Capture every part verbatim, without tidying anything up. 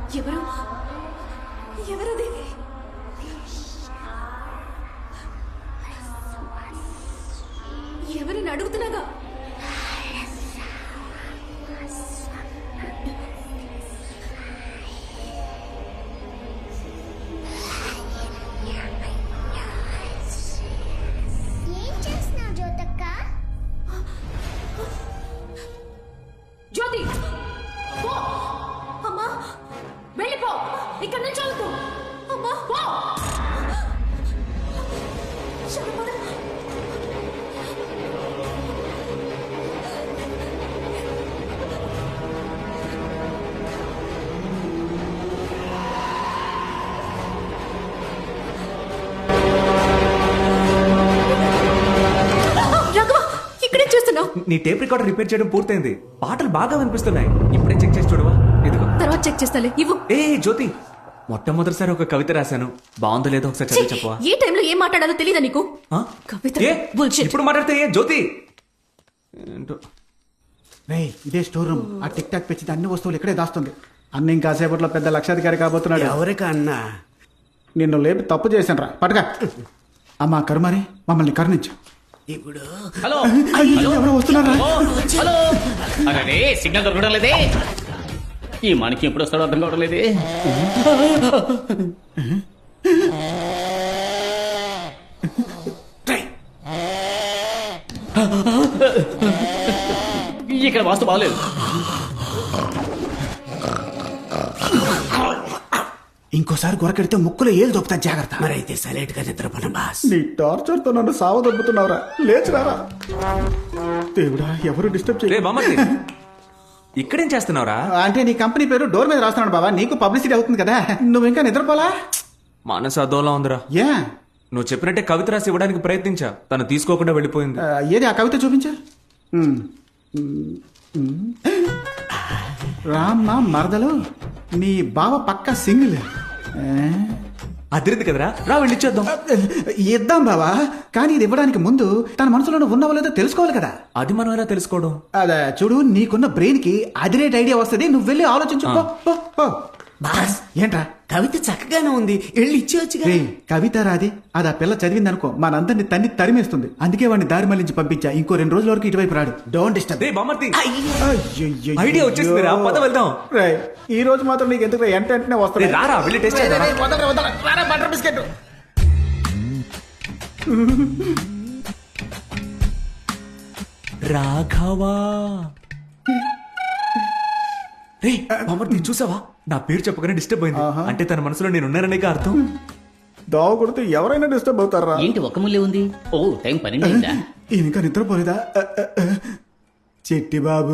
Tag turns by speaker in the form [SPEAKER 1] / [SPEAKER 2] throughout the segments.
[SPEAKER 1] ఎవరు ఎవరది? ఎవరిని అడుగుతున్నాగా? జ్యోతి పో అమ్మా, వెళ్ళిపో, ఇక్కడ నుంచి అవుతూ అమ్మా పో.
[SPEAKER 2] నీ టేప్ రికార్డర్ రిపేర్ చేయడం పూర్తయింది. పాటలు బాగా వినిపిస్తున్నాయి. ఇప్పుడే చెక్ చేసి చూడవా? ఇదిగో.
[SPEAKER 1] తర్వాత చెక్ చేస్తాలే, ఇవ్వు.
[SPEAKER 2] ఏ జ్యోతి, మొట్టమొదటిసారి ఒక కవిత రాశాను, బాగుందో లేదో ఒకసారి చదివి చెప్పవా?
[SPEAKER 1] ఏ టైంలో ఏం మాట్లాడాలో తెలీదా నీకు? కవిత
[SPEAKER 2] ఇప్పుడు మాట్లాడితే ఏ జ్యోతి ఏంటో.
[SPEAKER 3] రే, ఇదే స్టోర్ రూమ్. ఆ టిక్ టాక్ పెంచితే అన్ని వస్తువులు ఇక్కడే దాస్తుంది. అన్న ఇంకాసేపట్లో పెద్ద లక్షాధికారి కాబోతున్నాడు.
[SPEAKER 4] ఎవరికా అన్నా?
[SPEAKER 3] నిన్ను లేపి తప్పు చేశాను రా, పట్టుగా. అమ్మా కరుమారి, మమ్మల్ని కరుణించు.
[SPEAKER 4] ఇప్పుడు
[SPEAKER 5] హలో
[SPEAKER 3] ఎవరో వస్తున్నారా?
[SPEAKER 5] హలో, అరే సిగ్నల్ దొరకడం లేదే. ఈ మనకి ఎప్పుడు వస్తాడో అర్థం కావడం లేదే. ఇక్కడ వాస్తు బాగలేదు.
[SPEAKER 3] ఇంకోసారి గొరకెడితే ముక్కులో ఏలు దొప్పుతా, జాగ్రత్త.
[SPEAKER 4] మరి అయితే సైలెంట్ గా నిద్రపోను బాస్.
[SPEAKER 3] నీ టార్చర్ తో నన్ను సావ దొబ్బుతున్నావురా. లేచిరారా దేవుడా, ఎవరు డిస్టర్బ్
[SPEAKER 2] రే
[SPEAKER 3] చేయ.
[SPEAKER 2] బామ్మర్ది, ఇక్కడేం చేస్తున్నావురా?
[SPEAKER 3] అంటే నీ కంపెనీ పేరు డోర్ మీద రాస్తున్నాడు బాబా, నీకు పబ్లిసిటీ అవుతుంది కదా. నువ్వు ఇంకా నిద్రపోలా?
[SPEAKER 2] మనసు అదోలా ఉందిరా.
[SPEAKER 3] ఏ
[SPEAKER 2] నువ్వు చెప్పినట్టే కవిత రాసి ఇవ్వడానికి ప్రయత్నించా, తను తీసుకోకుండా వెళ్ళిపోయింది.
[SPEAKER 3] ఆ, ఏది ఆ కవిత చూపించా. రామ్మ మరదలు, నీ బావ పక్క సింగిల్.
[SPEAKER 2] అదిరింది కదరా, రా వెళ్ళిచ్చేద్దాం.
[SPEAKER 3] ఇద్దాం బావా, కానీ ఇది ఇవ్వడానికి ముందు తన మనసులో ఉన్నావో లేదో తెలుసుకోవాలి కదా.
[SPEAKER 2] అది మనం ఎలా తెలుసుకోవడం?
[SPEAKER 3] అదే చూడు, నీకున్న బ్రెయిన్ కి అదిరేట్ ఐడియా వస్తుంది. నువ్వు వెళ్ళి ఆలోచించు. పో, పో, పో.
[SPEAKER 4] బాస్,
[SPEAKER 3] ఏంట్రా?
[SPEAKER 4] కవిత చక్కగానే ఉంది, వెళ్ళి ఇచ్చేవచ్చుగా.
[SPEAKER 3] రే, కవిత రాది, అది ఆ పిల్ల చదివింది అనుకో, మనందరిని తన్ని తరిమేస్తుంది. అందుకే వాడిని దారి మళ్ళించి పంపించా. ఇంకో రెండు రోజుల వరకు ఇటువైపు రాడు. Don't disturb.
[SPEAKER 2] రే బామ్మర్ది,
[SPEAKER 3] అయ్యయ్యయ్యో.
[SPEAKER 2] ఐడియా వచ్చేసింది రా, పద వెళ్దాం.
[SPEAKER 3] రే, ఈ రోజు మాత్రం నీకు ఎందుకు ఎంట వెంటనే
[SPEAKER 2] రే,
[SPEAKER 3] వస్తుంది.
[SPEAKER 2] రారా వెళ్ళి టెస్ట్ చేద్దాం.
[SPEAKER 3] Butter biscuit.
[SPEAKER 2] రాఘవా, రే బామ్మర్ది చూసావా? నా పేరు చెప్పగానే డిస్టర్బ్ అయింది.
[SPEAKER 3] ఆహా.
[SPEAKER 2] అంటే తన మనసులో నేను ఉన్నాననే అర్థం.
[SPEAKER 3] దోవ కొడితే ఎవరైనా డిస్టర్బ్ అవుతారా?
[SPEAKER 5] ఏంటి ఒక ముల్లే ఉంది? ఓ టైం పన్నెండు అయిందా?
[SPEAKER 3] ఇంకా నిద్రపోలేదా? అ, అ, అ. చిట్టి బాబు.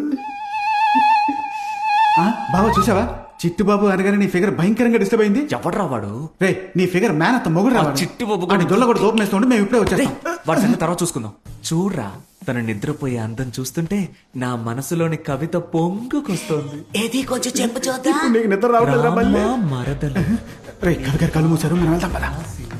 [SPEAKER 3] ఆ, బాబా చూసావా? చిట్టు బాబు అనగానే నీ ఫిగర్ భయంకరంగా డిస్టర్బ్ అయింది.
[SPEAKER 2] ఎవడ్రా వాడు?
[SPEAKER 3] రే, నీ ఫిగర్ మ్యాన్ అంత మొగుడు
[SPEAKER 2] ఆ
[SPEAKER 3] రావాలి.
[SPEAKER 2] చిట్టి బాబు
[SPEAKER 3] అని దొల్ల కూడా దూపం వేస్తుంటే మేము ఇప్పుడే
[SPEAKER 2] రే,
[SPEAKER 3] వచ్చేస్తాం.
[SPEAKER 2] వాడి సంగతి తర్వాత చూసుకుందాం. చూడ్రా, తన నిద్రపోయే అందం చూస్తుంటే నా మనసులోని కవిత పొంగుకొస్తోంది.
[SPEAKER 4] ఏది కొంచెం చెప్పు చూద్దాం.
[SPEAKER 3] ఇప్పుడు నీకు నిద్ర రావట్లేదురా మళ్ళీ?
[SPEAKER 2] రామ మరదలు.
[SPEAKER 3] రే, కవి గారు కళ్ళు మూసారు, మనం వెళ్దాం పద.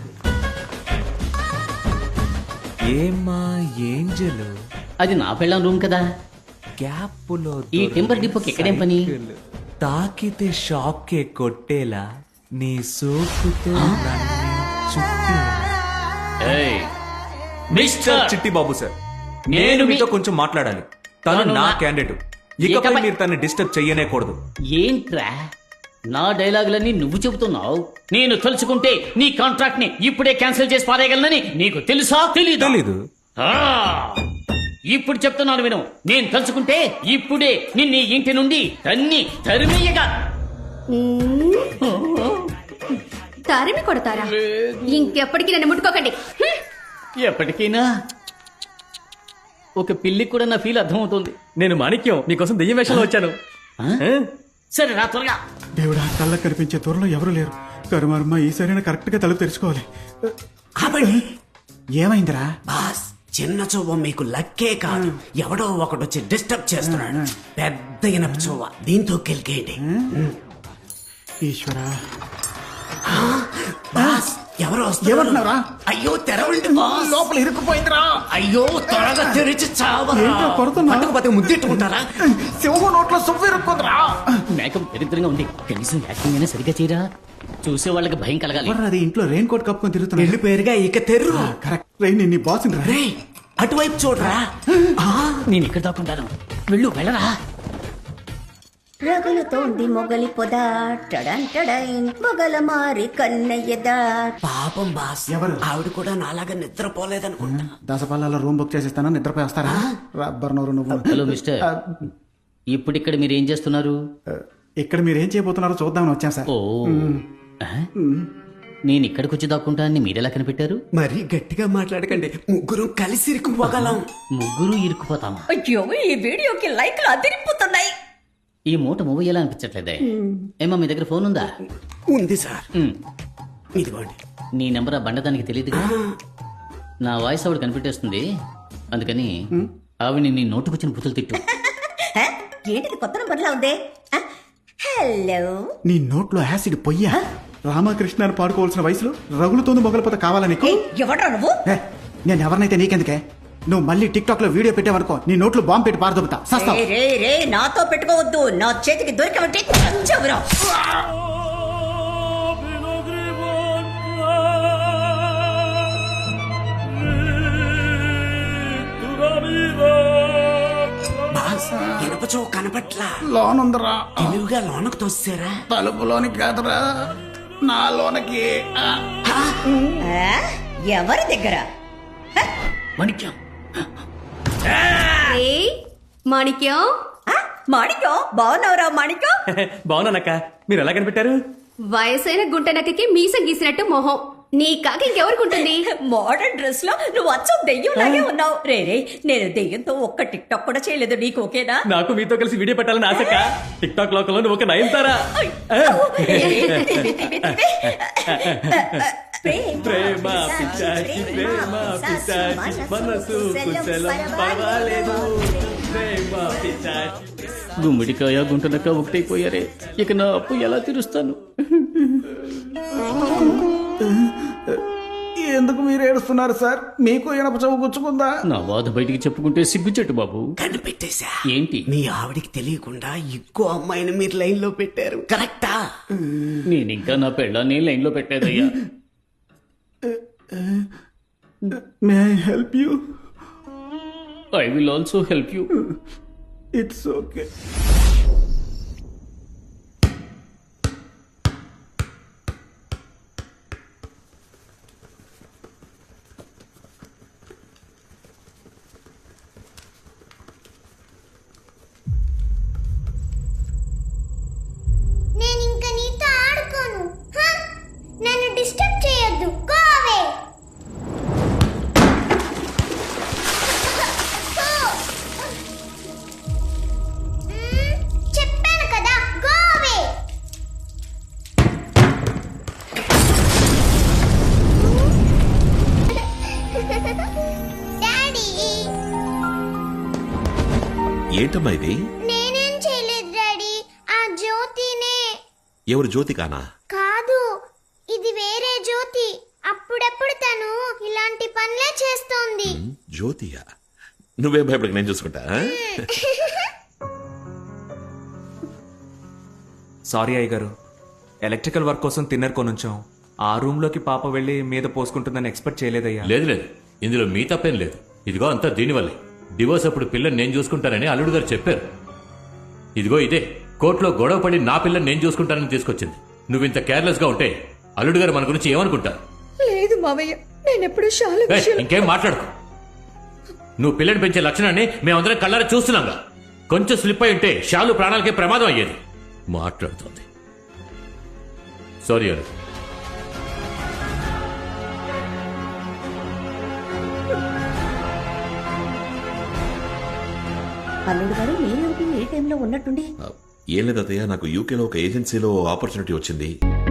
[SPEAKER 2] ఏమ్మా ఏంజలు,
[SPEAKER 5] అది నా పెళ్ళం రూమ్ కదా.
[SPEAKER 2] గ్యాప్పులో
[SPEAKER 5] ఈ టెంపర్ డిపోకి ఎక్కడేం పని?
[SPEAKER 2] సైకిల్. తాకితే షాక్ కొట్టేలా నీ సోకుతో నన్ను చుట్టేలా.
[SPEAKER 5] ఏయ్, మిస్టర్
[SPEAKER 2] చిట్టి బాబు సార్,
[SPEAKER 5] నేను
[SPEAKER 2] నేను
[SPEAKER 5] మీ-
[SPEAKER 2] మీతో కొంచెం మాట్లాడాలి. తను
[SPEAKER 5] తను
[SPEAKER 2] నా
[SPEAKER 5] నా-
[SPEAKER 2] క్యాండిడేట్. ఇకపై
[SPEAKER 5] ఇకపై-
[SPEAKER 2] మీరు తనని డిస్టర్బ్ చెయ్యనేకూడదు.
[SPEAKER 5] ఏంట్రా నా డైలాగులన్నీ నువ్వు చెబుతున్నావు? నేను తలుచుకుంటే నీ కాంట్రాక్ట్ ని ఇప్పుడే క్యాన్సిల్ చేసి పారేయగలనని నీకు తెలుసా? తెలీదు.
[SPEAKER 2] తెలీదు.
[SPEAKER 5] ఆ, ఇప్పుడు చెప్తున్నాను విను. నేను తలుచుకుంటే ఇప్పుడే నిన్ను ఈ ఇంటి నుండి తన్ని తరిమేయగా.
[SPEAKER 1] తరిమి కొడతారా? ఇంకెప్పటికీ నన్ను ముట్టుకోకండి. హ్మ్.
[SPEAKER 5] ఎప్పటికైనా ఒక పిల్లికి కూడా నా ఫీల్ అర్థమవుతుంది. నేను మాణిక్యం, నీకోసం దెయ్యం వేషంలో వచ్చాను. సరే రా త్వరగా.
[SPEAKER 3] దేవుడా, కళ్ళ కనిపించే దూరంలో ఎవరు లేరు. కరుమర్మ ఈసారైనా కరెక్ట్ గా తలుపు తెరుచుకోవాలి.
[SPEAKER 4] ఆపండి.
[SPEAKER 3] ఏమైందిరా?
[SPEAKER 4] బాస్, చిన్న చూవ మీకు లక్కే కాదు, ఎవడో ఒకడు వచ్చి డిస్టర్బ్ చేస్తున్నాడు. పెద్ద ఇనప చూవ, దీంతో కెలికేయండి.
[SPEAKER 3] ఈశ్వరా,
[SPEAKER 4] బాస్, ఎవరు వస్తున్నారు?
[SPEAKER 3] ఏమంటున్నారా?
[SPEAKER 4] అయ్యో తెరవండి బాస్.
[SPEAKER 3] లోపల ఇరుక్కుపోయిందిరా.
[SPEAKER 4] అయ్యో త్వరగా తెరిచి చావరా.
[SPEAKER 3] ఏంటో కొడుతున్నా?
[SPEAKER 4] పట్టుకుపోతే ముద్దెట్టుకుంటారా?
[SPEAKER 3] సింహం నోట్లో సువ్వు ఇరుక్కుందిరా.
[SPEAKER 5] మేకప్ దరిద్రంగా ఉంది కనీసం యాక్టింగ్ అయినా సరిగ్గా చేయరా చూసే వాళ్ళకి భయం కలగాలి
[SPEAKER 3] ఎవర్రా అది ఇంట్లో రెయిన్ కోట్ కప్పుకొని తిరుగుతున్నా?
[SPEAKER 4] పెళ్లి పేరుగా ఇక తెర్రు.
[SPEAKER 3] కరెక్ట్. రెయిన్ నీ బాస్ రా.
[SPEAKER 4] రేయ్, అటువైపు చూడరా.
[SPEAKER 5] నేను ఇక్కడ దాక్కుంటాను వెళ్ళు వెళ్ళరా
[SPEAKER 6] రగులుతోంది మొగలి పొద టడంటడైన్ మొగల మారి కన్నయ్యద.
[SPEAKER 4] పాపం బాస్.
[SPEAKER 3] ఎవరు?
[SPEAKER 4] ఆవిడ కూడా నాలాగా నిద్రపోలేదనుకుంటా.
[SPEAKER 3] దసపాలలో రూమ్ బుక్ చేసిస్తాను, నిద్రపోయి వస్తారా? రబ్బర్ నోరు నువ్వు.
[SPEAKER 5] హలో మిస్టర్
[SPEAKER 3] ఆ,
[SPEAKER 5] ఇప్పుడు ఇక్కడ మీరు ఏం చేస్తున్నారు
[SPEAKER 3] ఇక్కడ మీరు ఏం చేయబోతున్నారో చూద్దామని వచ్చాం సార్.
[SPEAKER 5] ఓ ఆ? నేను ఇక్కడికి వచ్చి దాక్కుంటానని మీరెలా కనిపెట్టారు
[SPEAKER 4] మరి గట్టిగా మాట్లాడకండి, ముగ్గురు కలిసి ఇరుక్కుపోగలం.
[SPEAKER 5] ముగ్గురు ఇరుక్కుపోతామా
[SPEAKER 6] అయ్యో ఈ వీడియోకి లైక్లు అదిరిపోతున్నాయి.
[SPEAKER 5] ఈ మూట మూవ్ ఎలా అనిపించట్లేదే ఏమా మీ దగ్గర ఫోన్ ఉందా
[SPEAKER 4] ఉంది సార్.
[SPEAKER 5] ఉమ్.
[SPEAKER 4] ఇదిగోండి.
[SPEAKER 5] నీ నెంబర్ ఆ బండదానికి తెలియదు నా వాయిస్ ఆవిడ కనిపెట్టేస్తుంది అందుకని ఆవిడ నీ నోటుకొచ్చిన బుతులు తిట్టు
[SPEAKER 6] హ? ఏంటిది కొత్త నంబర్లా ఉంది? హ? హలో
[SPEAKER 3] నీ నోట్లో యాసిడ్ పొయ్యా? రామకృష్ణ అని పాడుకోవాల్సిన వయసులో రగులుతోంది మొగలపోత కావాలా నీకు?
[SPEAKER 6] ఏయ్, ఎవడ్రా నువ్వు?
[SPEAKER 3] ఏ, నేను ఎవరినైతే నీకెందుకే? నువ్వు మళ్ళీ టిక్ టాక్ లో వీడియో పెట్టావనుకో, నీ నోట్లో బాంబు పెట్టి పారదొబ్బుతా. సస్తావు.
[SPEAKER 6] రే రే రే నాతో పెట్టుకోవద్దు, నా చేతికి దొరికవంటే చంచవురా.
[SPEAKER 4] బాస్, ఇనపచో కనపట్లా.
[SPEAKER 3] లోనుందరా.
[SPEAKER 4] తెలివిగా లోనకు తోసారా?
[SPEAKER 3] తలుపులోనికి కాదురా, నా లోనకి.
[SPEAKER 6] ఆ? ఎవరి దగ్గర?
[SPEAKER 5] మణిక్యం
[SPEAKER 1] ఏయ్, మాణిక్యం
[SPEAKER 6] ఆ? మాణిక్యం బాగున్నావురా మాణిక్యం?
[SPEAKER 2] బాగున్నానక్క, మీరు ఎలా కనిపెట్టారు?
[SPEAKER 1] వయసైన గుంట నక్కకి మీసం గీసినట్టు మొహం. నీ కాక ఇంకెవరికుంటుంది?
[SPEAKER 6] మోడర్న్ డ్రెస్ లో నువ్వు అచ్చం దెయ్యం లాగే ఉన్నావు. రే రే నేను దెయ్యంతో ఒక్క టిక్ టాక్ కూడా చేయలేదు, నీకు ఓకేనా?
[SPEAKER 2] నాకు మీతో కలిసి వీడియో పెట్టాలని ఆశక్క. టిక్ టాక్ లోకంలో నువ్వు ఒక నయనతారా. ప్రేమ పిచ్చాచి, ప్రేమ పిచ్చాచి, మనసు కుశలం పర్వాలేదు. ప్రేమ పిచ్చాచి.
[SPEAKER 5] గుమ్మిడికాయ గుంటనక్క ఒకటైపోయారే ఇక నా అప్పు ఎలా తీరుస్తాను
[SPEAKER 3] ఎందుకు మీరు ఏడుస్తున్నారు సార్? మీకు ఇనప చవ్వు గుచ్చుకుందా?
[SPEAKER 5] నా బాధ బయటికి చెప్పుకుంటే సిగ్గుచెట్టు బాబు
[SPEAKER 4] కనిపెట్టేశా.
[SPEAKER 5] ఏంటి
[SPEAKER 4] మీ ఆవిడికి తెలియకుండా ఇంకో అమ్మాయిని మీరు లైన్ లో పెట్టారు. కరెక్టా?
[SPEAKER 5] నేను ఇంకా నా పెళ్ళాన్ని లైన్ లో పెట్టేదయ్యా
[SPEAKER 3] may I help you?
[SPEAKER 5] I will also help you
[SPEAKER 3] it's okay.
[SPEAKER 7] నేను ఇంకా నీతో ఆడుకోను. హ? నన్ను డిస్టర్బ్ చేయొద్దు. Go away. చెప్పాను కదా, గో అవే. డాడీ,
[SPEAKER 8] ఏంటమ్మా ఇది?
[SPEAKER 7] నేనేం చేయలేదు డాడీ, ఆ జ్యోతినే.
[SPEAKER 8] ఎవరు జ్యోతికానా?
[SPEAKER 7] కాదు, ఇది వేరే జ్యోతి. అప్పుడప్పుడు తను ఇలాంటి పనులే చేస్తోంది.
[SPEAKER 8] జ్యోతియా? నువ్వే భయపడక, నేను చూసుకుంటా. ఆ?
[SPEAKER 2] సారీ అయ్య గారు, ఎలక్ట్రికల్ వర్క్ కోసం తిన్నర్ కొనుంచాం. ఆ రూమ్ లోకి పాప వెళ్ళి మీద పోసుకుంటుందని ఎక్స్పెక్ట్ చేయలేదయ్యా.
[SPEAKER 9] లేదు లేదు, ఇందులో మీ తప్పేం లేదు. ఇదిగో అంతా దీనివల్లే. డివోర్స్ అప్పుడు పిల్లని నేను చూసుకుంటానని అల్లుడు గారు చెప్పారు. ఇదిగో ఇదే కోర్టులో గొడవ పడి నా పిల్లని నేను చూసుకుంటానని తీసుకొచ్చింది. నువ్వు ఇంత కేర్లెస్ గా ఉంటే అల్లుడు గారు మన గురించి ఏమనుకుంటారు?
[SPEAKER 6] లేదు మావయ్య, నేను ఎప్పుడు శాలు
[SPEAKER 9] ఏయ్, ఇంకేం మాట్లాడుకో. నువ్వు పిల్లని పెంచే లక్షణాన్ని మేమందరం కళ్ళారా చూస్తున్నాంగా. కొంచెం స్లిప్ అయి ఉంటే షాలు ప్రాణాలకే ప్రమాదం అయ్యేది. మాట్లాడుతోంది. సారీ అల్లుడు.
[SPEAKER 6] అల్లుడు గారు మీరేమిటి ఏ టైంలో ఉన్నట్టుండి?
[SPEAKER 8] ఏం లేదు అత్తయ్య, నాకు యూకేలో ఒక ఏజెన్సీలో ఆపర్చునిటీ వచ్చింది.